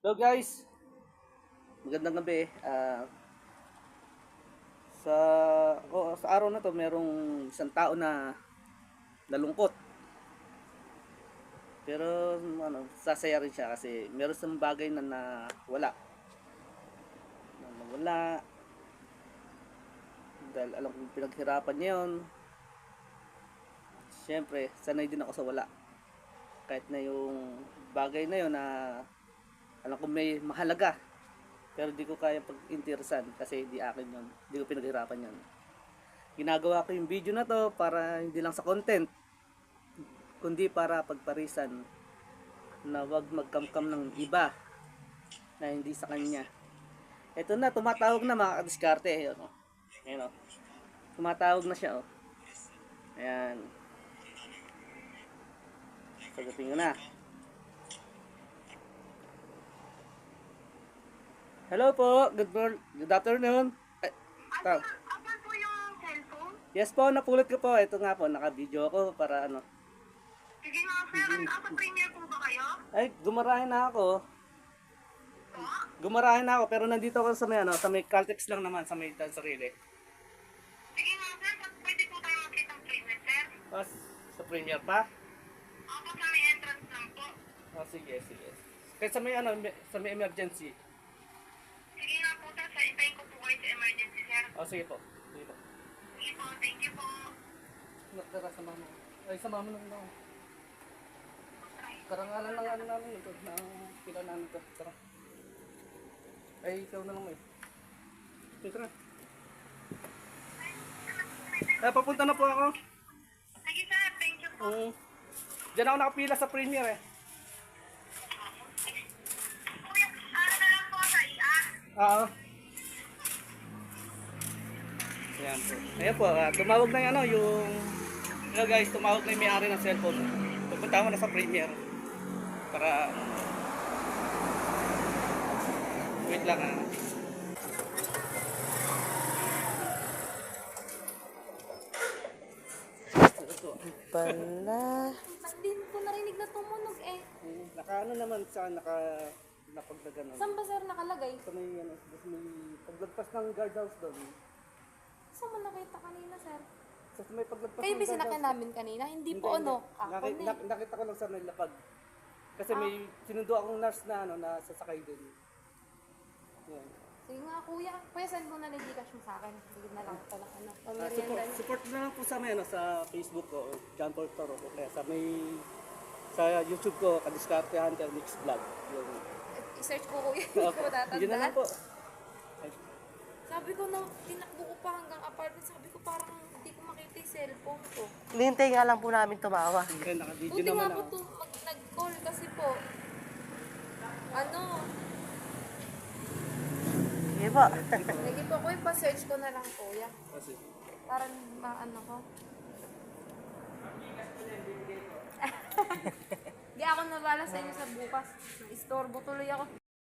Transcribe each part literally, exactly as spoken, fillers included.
Hello guys, magandang gabi. Ah, sa oh, sa araw na to merong isang tao na nalungkot. Pero ano, sasaya rin siya kasi meron siyang bagay na nawala. Na nawala dahil alam kong pinaghirapan niya yun. Siyempre, sanay din ako sa wala. Kahit na yung bagay na yun na alam kong may mahalaga. Pero di ko kaya pag-interesan kasi di akin yun. Di ko pinaghirapan yun. Ginagawa ko yung video na to para hindi lang sa content, kundi para pagparisan na wag magkamkam ng iba na hindi sa kanya. Ito na, tumatawag na mga kadiskarte. Ayan o. Ayan o. Tumatawag na siya o. Ayan. Sagutin ko na. Hello po. Good morning. Good afternoon. Ay, ta- Asan po yung cellphone? yes po, napulot ko po. Ito nga po, naka-video ako para ano. Sige nga, sir. Ano, asa premier po ba kayo? Ay, gumarahin na ako. Po? Gumarahin na ako pero nandito ako sa may ano, sa may Caltex lang naman sa may Dan Sarili. Sige nga, sir. Pwede po tayo makita ng premier, sir. Pas, sa Premier pa? Ako sa may entrance lang po. Oh, sige, sige. Kaya sa may ano, may- sa may emergency. Sige nga po, sir. Sa intayin ko po kayo sa emergency, sir. Oh, sige po. Sige po. Sige po, thank you po. Tara, sa mama. Ay, sa mama nung no. Karangalan lang ano namin ito. Na pila namin ito. Tara. Ay, ikaw na lang eh. Sige, tara. Ay, papunta na po ako. Sige, sir. Thank you po. Oo. Diyan ako nakapila sa Premier eh. Kuya, ano na lang po sa I A? Oo. Ayan po. Ayan po, ah, tumawag na yung ano, yung... Hello guys, tumawag na yung may-ari ng cellphone. Pupunta mo na sa Premier. Para... Wait lang ah. Ito. Pala. Ba't din ko narinig na tumunog eh? Hmm, Naka ano naman sa naka... Napagdagan Saan ba sir nakalagay? Sa may ano, sa may paglagpas ng guardhouse doon. Saan mo nakita kanina sir? Sa may paglagpas Kayo ng ba sinakyan guardhouse. namin kanina? Hindi po ano. Ako Naki- na eh. nak- nakita ko lang sa may lapag. Kasi may sinundo akong nurse na ano na sasakay din. Yan. Sige nga kuya. Kuya send mo na ng Gcash mo sa akin. Sige na lang ito lang ano. Ah, support, Pamerienda niyo. support na lang po sa may ano sa Facebook ko, John Paul Toro. Kaya sa may sa YouTube ko, Kadiskarte Hunter Mix Vlog. Yung I-search ko kuya. Hindi ko Yun na lang matatandaan. po. Sabi ko na tinakbo ko pa hanggang apartment. Sabi ko parang hindi ko makita yung cellphone ko. Hinihintay nga lang po namin tumawa. Kaya naka-video Buti naman nga po ako. to, mag, nag-call kasi po. Ano? Sige po. Sige po kuya, pa-search ko na lang kuya. Kasi Parang maano ko. Di ako nabala sa inyo sa bukas. Istorbo tuloy ako.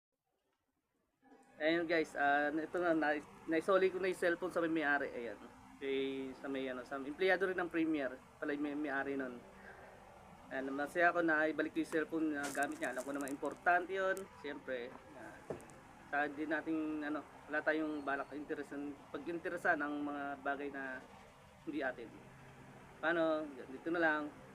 ayun guys, ah ito na, na naisoli ko na yung cellphone sa may may-ari. Ayan. Kay sa may ano, sa empleyado rin ng Premier, pala yung may may-ari nun. Ayan, masaya ako na ibalik ko yung cellphone na gamit niya. Alam ko naman importante yun. Siyempre, uh, sa di nating ano, wala tayong balak interesan, pag-interesan ang mga bagay na hindi atin. Paano? Dito na lang.